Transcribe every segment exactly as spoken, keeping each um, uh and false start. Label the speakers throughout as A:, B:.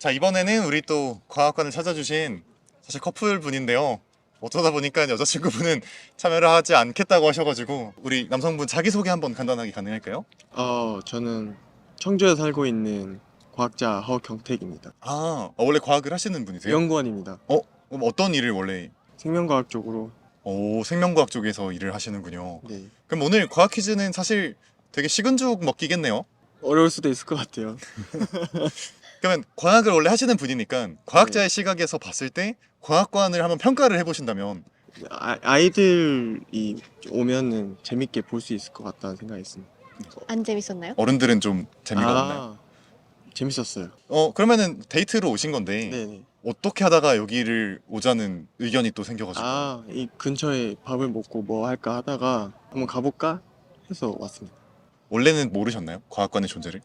A: 자, 이번에는 우리 또 과학관을 찾아주신 사실 커플분인데요. 어쩌다 보니까 여자친구분은 참여를 하지 않겠다고 하셔가지고 우리 남성분 자기소개 한번 간단하게 가능할까요?
B: 어, 저는 청주에 살고 있는 과학자 허경택입니다.
A: 아, 어, 원래 과학을 하시는 분이세요?
B: 연구원입니다.
A: 어? 그럼 어떤 일을 원래?
B: 생명과학 쪽으로.
A: 오, 생명과학 쪽에서 일을 하시는군요.
B: 네.
A: 그럼 오늘 과학 퀴즈는 사실 되게 식은 죽 먹기겠네요.
B: 어려울 수도 있을 것 같아요.
A: 그러면 과학을 원래 하시는 분이니까 과학자의 시각에서 봤을 때 과학관을 한번 평가를 해보신다면
B: 아, 아이들이 오면은 재밌게 볼 수 있을 것 같다는 생각이 있습니다.
C: 안 재밌었나요?
A: 어른들은 좀 재미가
B: 아,
A: 없나요?
B: 재밌었어요.
A: 어, 그러면은 데이트로 오신 건데
B: 네네.
A: 어떻게 하다가 여기를 오자는 의견이 또 생겨가지고
B: 아, 이 근처에 밥을 먹고 뭐 할까 하다가 한번 가볼까 해서 왔습니다.
A: 원래는 모르셨나요? 과학관의 존재를?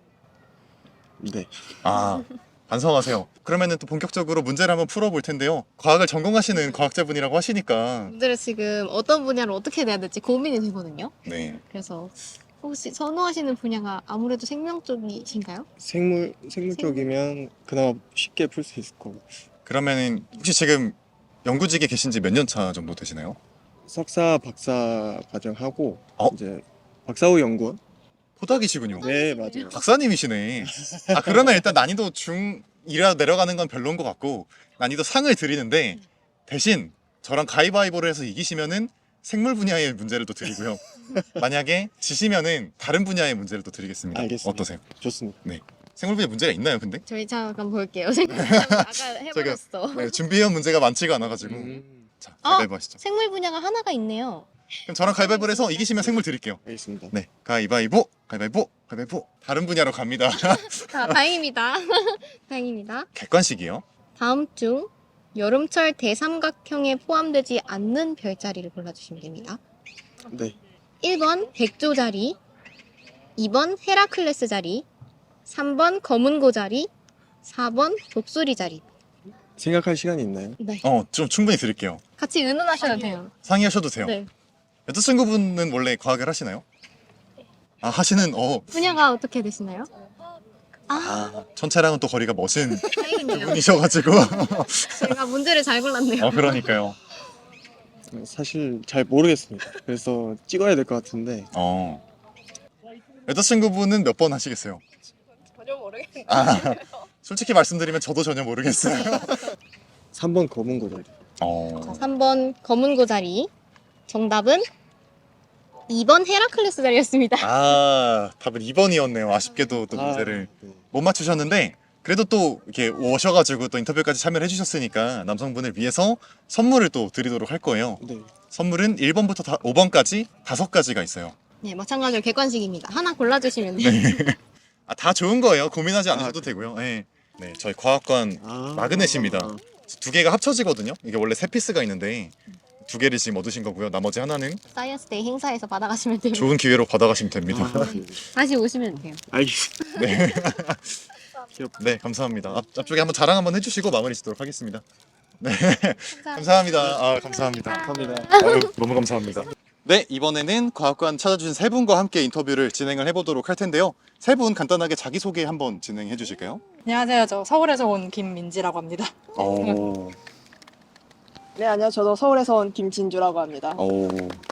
B: 네.
A: 아, 반성하세요. 그러면은 또 본격적으로 문제를 한번 풀어볼 텐데요. 과학을 전공하시는 과학자분이라고 하시니까
C: 문제를 지금 어떤 분야를 어떻게 내야 될지 고민이 되거든요.
A: 네.
C: 그래서 혹시 선호하시는 분야가 아무래도 생명 쪽이신가요?
B: 생물 생물 쪽이면 그나마 쉽게 풀 수 있을 거고.
A: 그러면은 혹시 지금 연구직에 계신 지 몇 년 차 정도 되시나요?
B: 석사, 박사 과정 하고
A: 어?
B: 이제 박사 후 연구원.
A: 포닥이시군요.
B: 네, 맞아요.
A: 박사님이시네. 아, 그러면 일단 난이도 중이라 내려가는 건 별로인 것 같고 난이도 상을 드리는데 대신 저랑 가위바위보를 해서 이기시면은 생물 분야의 문제를 또 드리고요. 만약에 지시면은 다른 분야의 문제를 또 드리겠습니다.
B: 알겠습니다.
A: 어떠세요?
B: 좋습니다.
A: 생물 분야 문제가 있나요, 근데?
C: 저희 잠깐 볼게요. 생물 분야 아까 해버렸어.
A: 네, 준비해온 문제가 많지가 않아가지고
B: 음,
A: 자,
C: 어?
A: 가위바위보 하시죠.
C: 생물 분야가 하나가 있네요.
A: 그럼 저랑 가위바위보를 해서 이기시면 생물 드릴게요.
B: 알겠습니다.
A: 네, 가위바위보, 가위바위보, 가위바위보. 다른 분야로 갑니다.
C: 아, 다행입니다. 다행입니다.
A: 객관식이요.
C: 다음 중 여름철 대삼각형에 포함되지 않는 별자리를 골라주시면 됩니다.
B: 네.
C: 일 번 백조자리, 이 번 헤라클레스 자리, 삼 번 검은고 자리, 사 번 독수리 자리.
B: 생각할 시간이 있나요?
C: 네.
A: 어, 좀 충분히 드릴게요.
C: 같이 의논하셔도 돼요.
A: 상의하셔도 돼요.
C: 네.
A: 여자친구분은 원래 과학을 하시나요? 아, 하시는, 어,
C: 분야가 어떻게 되시나요? 아,
A: 아, 천체랑은 또 거리가 멋진
C: 다행이네요.
A: 분이셔가지고.
C: 제가 문제를 잘 골랐네요.
A: 어, 그러니까요.
B: 사실 잘 모르겠습니다. 그래서 찍어야 될 것 같은데
A: 어. 여자친구분은 몇 번 하시겠어요?
D: 전혀 모르겠는데.
A: 아, 솔직히 말씀드리면 저도 전혀 모르겠어요.
B: 삼 번 검은 거죠.
A: 어.
C: 삼 번 검은고 자리. 정답은 이 번 헤라클레스 자리였습니다.
A: 아, 답은 이 번이었네요. 아쉽게도 또
B: 아,
A: 문제를
B: 네.
A: 못 맞추셨는데 그래도 또 이렇게 오셔가지고 또 인터뷰까지 참여를 해주셨으니까 남성분을 위해서 선물을 또 드리도록 할 거예요.
B: 네.
A: 선물은 일 번부터 다, 오 번까지 다섯 가지가 있어요.
C: 네, 마찬가지로 객관식입니다. 하나 골라주시면 돼요.
A: 아, 다 좋은 거예요. 고민하지 않으셔도
B: 아,
A: 되고요. 네. 네, 저희 과학관
B: 아,
A: 마그넷입니다.
B: 아,
A: 두 개가 합쳐지거든요. 이게 원래 세 피스가 있는데 두 개를 지금 얻으신 거고요. 나머지 하나는
C: 사이언스데이 행사에서 받아가시면 돼요.
A: 좋은 기회로 받아가시면 됩니다.
B: 아, 네.
C: 다시 오시면 돼요.
B: 알겠습니다.
A: 네.
B: 귀엽다.
A: 네, 감사합니다. 앞, 앞쪽에 한번 자랑 한번 해주시고 마무리 짓도록 하겠습니다. 네, 감사합니다. 아, 감사합니다.
B: 감사합니다.
A: 아유, 너무 감사합니다. 네, 이번에는 과학관 찾아주신 세 분과 함께 인터뷰를 진행을 해보도록 할 텐데요. 세 분 간단하게 자기소개 한번 진행해 주실까요?
D: 안녕하세요. 저 서울에서 온 김민지라고 합니다.
A: 오,
E: 네, 안녕. 저도 서울에서 온 김진주라고 합니다.
A: 오,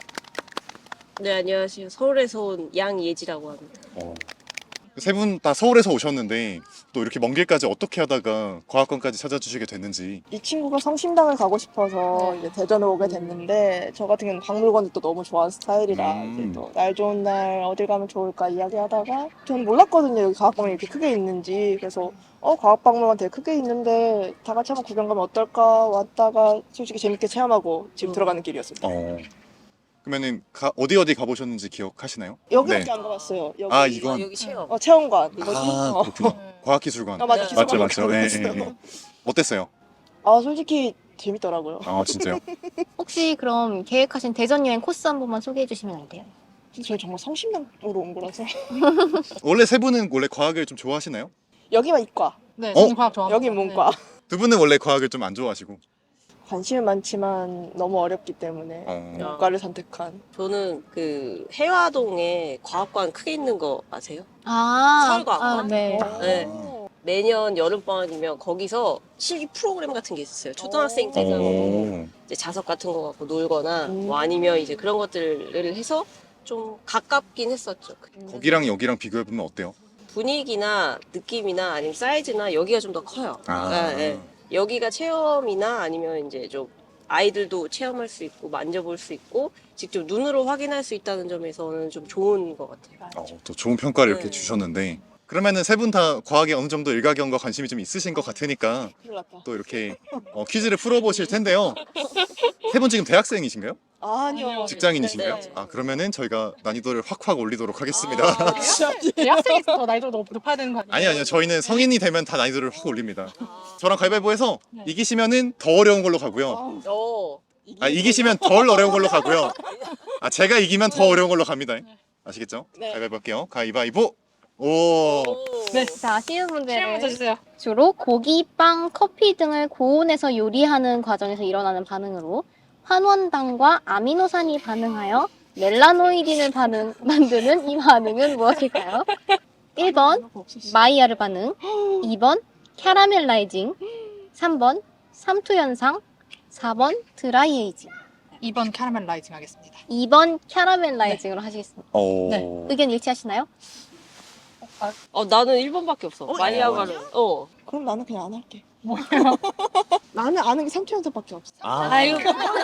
F: 네, 안녕하세요. 서울에서 온 양예지라고 합니다.
A: 세 분 다 서울에서 오셨는데 또 이렇게 먼 길까지 어떻게 하다가 과학관까지 찾아주시게 됐는지.
E: 이 친구가 성심당을 가고 싶어서
D: 네.
E: 이제 대전에 오게 됐는데 저 같은 경우는 박물관을 또 너무 좋아하는 스타일이라
A: 음.
E: 이제 또 날 좋은 날 어딜 가면 좋을까 이야기하다가 저는 몰랐거든요. 여기 과학박물관이 이렇게 크게 있는지. 그래서 어 과학박물관 되게 크게 있는데 다 같이 한번 구경 가면 어떨까 왔다가 솔직히 재밌게 체험하고 집
F: 음.
E: 들어가는 길이었습니다.
A: 어. 그러면은 가, 어디 어디 가보셨는지 기억하시나요?
E: 여기밖에
A: 네.
E: 안 가봤어요. 여기
A: 아, 이건?
F: 아, 여기 체험.
E: 어, 체험관. 뭐지?
A: 아,
E: 어.
A: 그렇구나. 과학기술관.
E: 아, 맞아.
F: 네.
E: 기술관
A: 맞죠, 맞죠. 예, 예,
E: 가봤어요.
A: 예. 어땠어요?
E: 아, 솔직히 재밌더라고요.
A: 아, 진짜요?
C: 혹시 그럼 계획하신 대전 여행 코스 한 번만 소개해 주시면 안 돼요?
E: 저희 정말 성심당으로 온 거라서
A: 원래 세 분은 원래 과학을 좀 좋아하시나요?
E: 여기만 이과,
D: 네,
A: 어?
D: 저는 과학 좋아합니다.
E: 여기 문과.
A: 두 분은 원래 과학을 좀 안 좋아하시고.
E: 관심은 많지만 너무 어렵기 때문에
A: 어.
E: 문과를 선택한.
F: 저는 그 해화동에 과학관 크게 있는 거 아세요?
C: 아,
F: 서울과학관?
C: 아, 네.
F: 네.
A: 아.
F: 매년 여름방학이면 거기서 실기 프로그램 같은 게 있었어요. 초등학생 때는
A: 오.
F: 이제 자석 같은 거 갖고 놀거나
E: 음.
F: 뭐 아니면 이제 그런 것들을 해서 좀 가깝긴 했었죠.
A: 거기랑 여기랑 비교해보면 어때요?
F: 분위기나 느낌이나 아니면 사이즈나 여기가 좀 더 커요.
A: 아.
F: 그러니까, 예. 여기가 체험이나 아니면 이제 좀 아이들도 체험할 수 있고 만져볼 수 있고 직접 눈으로 확인할 수 있다는 점에서는 좀 좋은 것 같아요.
A: 어, 또 좋은 평가를 이렇게
F: 네.
A: 주셨는데 그러면은 세 분 다 과학에 어느 정도 일가견과 관심이 좀 있으신 것 같으니까
E: 큰일 났다.
A: 또 이렇게 어, 퀴즈를 풀어보실 텐데요. 세 분 지금 대학생이신가요?
E: 아니요.
A: 직장인이신가요?
E: 네, 네.
A: 아 그러면은 저희가 난이도를 확확 올리도록 하겠습니다.
E: 아,
D: 대학생에서 더 나이도 높- 높아야 되는 거 아니에요?
A: 아니 아니요 저희는 성인이 되면 다 난이도를 확 올립니다. 저랑 가위바위보해서
D: 네.
A: 이기시면은 더 어려운 걸로 가고요.
F: 어.
A: 아 이기시면 덜 어려운 걸로 가고요. 아 제가 이기면 더 어려운 걸로 갑니다. 아시겠죠?
E: 네.
A: 가위바위보 할게요. 가위바위보. 오.
D: 네.
C: 자, 쉬운
D: 실험
C: 문제를
D: 문제 주세요.
C: 주로 고기, 빵, 커피 등을 고온에서 요리하는 과정에서 일어나는 반응으로 환원당과 아미노산이 반응하여 멜라노이딘을 반응, 만드는 이 반응은 무엇일까요? 일 번 마이야르 반응, 이 번 캐러멜라이징, 삼 번 삼투 현상, 사 번 드라이 에이징.
D: 이 번 캐러멜 라이징 하겠습니다.
C: 이 번 캐러멜라이징으로 하시겠습니다.
A: 오.
D: 네.
C: 의견 일치하시나요?
F: 어 나는 일 번밖에 없어. 마이야가를. 어.
E: 그럼 나는 그냥 안 할게. 나는 아는 게 삼투 현상밖에 없어.
A: 아.
F: 아유.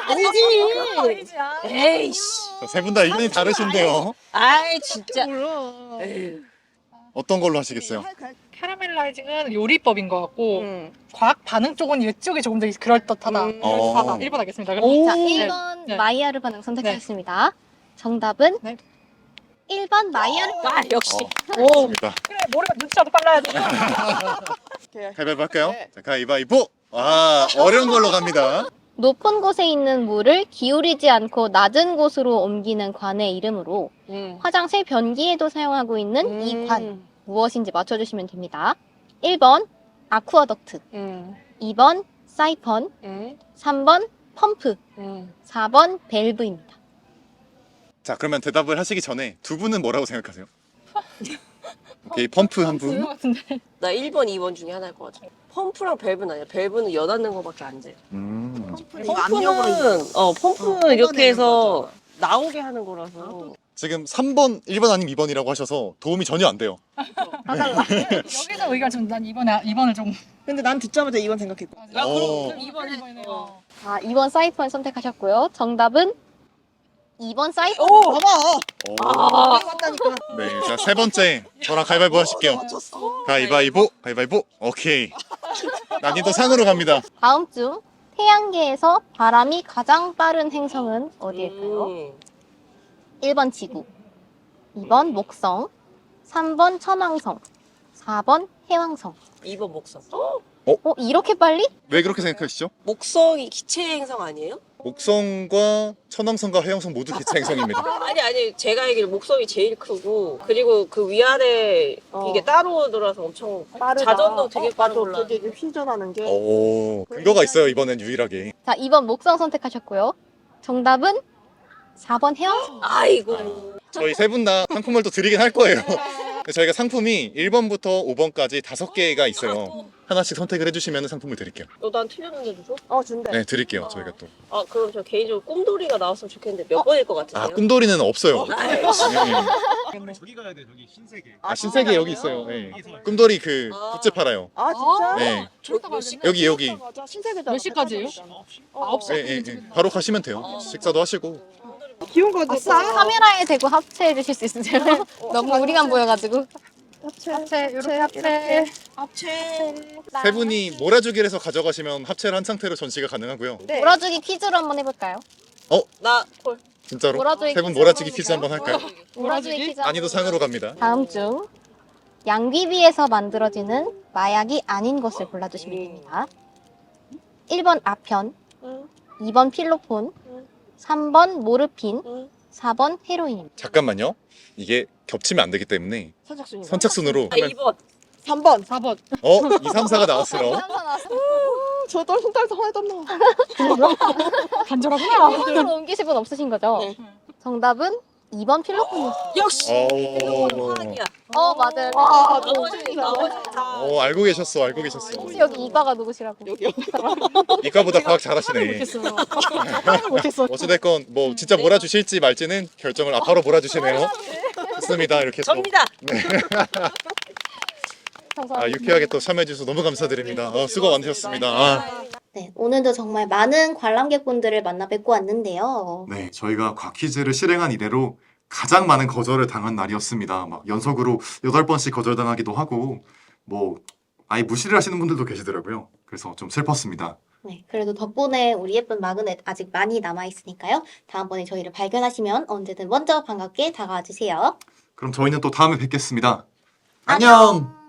F: 아니지. 에이씨.
A: 세 분 다 의견이 다르신데요.
F: 아이 진짜.
E: 몰라.
F: 에휴.
A: 어떤 걸로 하시겠어요?
D: 캐러멜라이징은 요리법인 것 같고
E: 응.
D: 과학 반응 쪽은 이쪽이 조금 더 그럴듯하다.
E: 음.
D: 그럴듯하다.
A: 어.
D: 일 번 하겠습니다.
E: 오.
D: 그럼.
C: 자,
D: 네.
C: 일 번
D: 네.
C: 마이야르 반응 선택하셨습니다. 정답은
D: 네.
C: 일 번 마이야르 반응.
F: 아 역시.
A: 오. 좋습니다.
D: 그래 머리가 눈치라도 빨라야 돼.
E: 오케이.
A: 가위바위보 할까요?
E: 네.
A: 자, 가위바위보. 아, 어려운 걸로 갑니다.
C: 높은 곳에 있는 물을 기울이지 않고 낮은 곳으로 옮기는 관의 이름으로
E: 응.
C: 화장실 변기에도 사용하고 있는
E: 음.
C: 이 관 무엇인지 맞춰주시면 됩니다. 일 번 아쿠아덕트,
E: 응.
C: 이 번 사이펀,
E: 응.
C: 삼 번 펌프,
E: 응.
C: 사 번 밸브입니다.
A: 자, 그러면 대답을 하시기 전에 두 분은 뭐라고 생각하세요? 오케이, 펌프 한 분.
D: 그런 것 같은데.
F: 나 일 번, 이 번 중에 하나일 것 같아. 펌프랑 밸브는 아니야. 밸브는 여닫는 거밖에 안 돼.
A: 음.
F: 펌프는 어 펌프는 이렇게 해서 나오게 하는 거라서.
A: 지금 삼 번, 일 번 아니면 이 번이라고 하셔서 도움이 전혀 안 돼요.
D: 여기서 의견 좀난 이 번에 이 번을 좀.
E: 근데 난 듣자마자 이 번 생각했고.
F: 야,
A: 오.
F: 그럼 이 번에 어.
C: 자, 이 번 사이펀 선택하셨고요. 정답은 이 번 사이펀.
E: 오! 봐봐!
A: 오.
F: 아,
E: 맞다니까.
A: 네, 자, 세 번째. 저랑 가위바위보 하실게요. 가위바위보, 가위바위보. 오케이. 난이도 상으로 갑니다.
C: 다음 중 태양계에서 바람이 가장 빠른 행성은 어디일까요?
F: 음.
C: 일 번 지구, 이 번 목성, 삼 번 천왕성, 사 번 해왕성.
F: 이 번 목성.
C: 어, 이렇게 빨리?
A: 왜 그렇게 생각하시죠?
F: 목성이 기체 행성 아니에요?
A: 목성과 천왕성과 해왕성 모두 기체 행성입니다.
F: 아니 아니 제가 알기로 목성이 제일 크고 그리고 그 위아래
E: 어.
F: 이게 따로 돌아서 엄청
E: 빠르다.
F: 자전도 되게
E: 어,
F: 빠르
E: 맞아.
F: 올라.
E: 되게 휘전하는 게.
A: 오, 근거가 있어요, 이번엔 유일하게.
C: 자, 이 번 목성 선택하셨고요. 정답은 사 번 해왕성.
F: 아이고.
A: 저희 세 분 다 상품을 또 드리긴 할 거예요. 저희가 상품이 일 번부터 오 번까지 다섯 개가 있어요. 하나씩 선택을 해주시면 상품을 드릴게요.
F: 너난 틀렸는데도 줘?
E: 어, 준대.
A: 네, 드릴게요, 저희가 또.
F: 아 그럼 저 개인적으로 꿈돌이가 나왔으면 좋겠는데 몇 번일 것 같으세요?
A: 아, 꿈돌이는 없어요.
F: 아이씨.
A: 네.
G: 저기 가야 돼 저기 신세계.
A: 아, 신세계 여기 있어요. 네. 꿈돌이 그
F: 아.
A: 굿즈 팔아요.
E: 아, 진짜?
A: 네.
F: 저기 몇 시?
A: 여기, 여기.
E: 맞아. 신세계잖아.
D: 몇 시까지예요?
E: 어,
D: 아홉 시.
A: 네, 네, 네. 바로 가시면 돼요. 식사도 하시고.
E: 귀여운 거
C: 아싸. 카메라에 대고 합체해 주실 수 있으세요? 너무 우리만 보여가지고.
E: 합체.
D: 합체 이렇게 합체.
E: 합체.
A: 세 분이 몰아주기를 해서 가져가시면 합체를 한 상태로 전시가 가능하고요.
E: 네.
C: 몰아주기 퀴즈로 한번 해볼까요?
F: 나 콜.
A: 진짜로?
C: 몰아주기
A: 세 분
C: 퀴즈
A: 몰아주기
C: 한번
A: 퀴즈 한번 할까요?
C: 몰아주기 퀴즈. 한번
A: 난이도 상으로 갑니다.
C: 다음 중 양귀비에서 만들어지는 마약이 아닌 것을 골라주시면 됩니다. 일 번 아편,
F: 응.
C: 이 번 필로폰,
F: 응.
C: 삼 번 모르핀,
F: 응.
C: 사 번 헤로인입니다.
A: 잠깐만요. 이게 겹치면 안 되기 때문에
E: 선착순이.
A: 선착순으로
F: 아
A: 하면
F: 이 번.
E: 삼 번.
D: 사 번.
A: 어? 이, 삼, 사가 나왔어요.
E: 저 떨sun 떨서 하나도 안 나와.
D: 간절하구나.
C: 손으로 옮기실 분 없으신 거죠?
E: 네.
C: 정답은 이 번 필로폰이었어요.
F: 역시
A: 어,
F: 사랑이야.
C: 어, 맞아요.
E: 아,
F: 나머지 나머지 다.
A: 어, 알고 계셨어, 알고 계셨어.
C: 혹시 여기 이과가 누구시라고?
A: 이과보다 과학 잘하시네.
D: 못했어요.
E: 못했어.
A: 어찌됐건 뭐 진짜 몰아주실지 말지는 결정을 아 바로 몰아주시네요. 좋습니다. 이렇게 또
F: 접니다.
A: 아, 유쾌하게 또 참여해주셔서 너무 감사드립니다. 어, 수고 많으셨습니다. 아.
C: 네, 오늘도 정말 많은 관람객분들을 만나 뵙고 왔는데요.
A: 네, 저희가 과퀴즈를 실행한 이래로 가장 많은 거절을 당한 날이었습니다. 막 연속으로 여덟 번씩 거절당하기도 하고 뭐 아예 무시를 하시는 분들도 계시더라고요. 그래서 좀 슬펐습니다.
C: 네, 그래도 덕분에 우리 예쁜 마그넷 아직 많이 남아있으니까요. 다음번에 저희를 발견하시면 언제든 먼저 반갑게 다가와 주세요.
A: 그럼 저희는 또 다음에 뵙겠습니다. 안녕!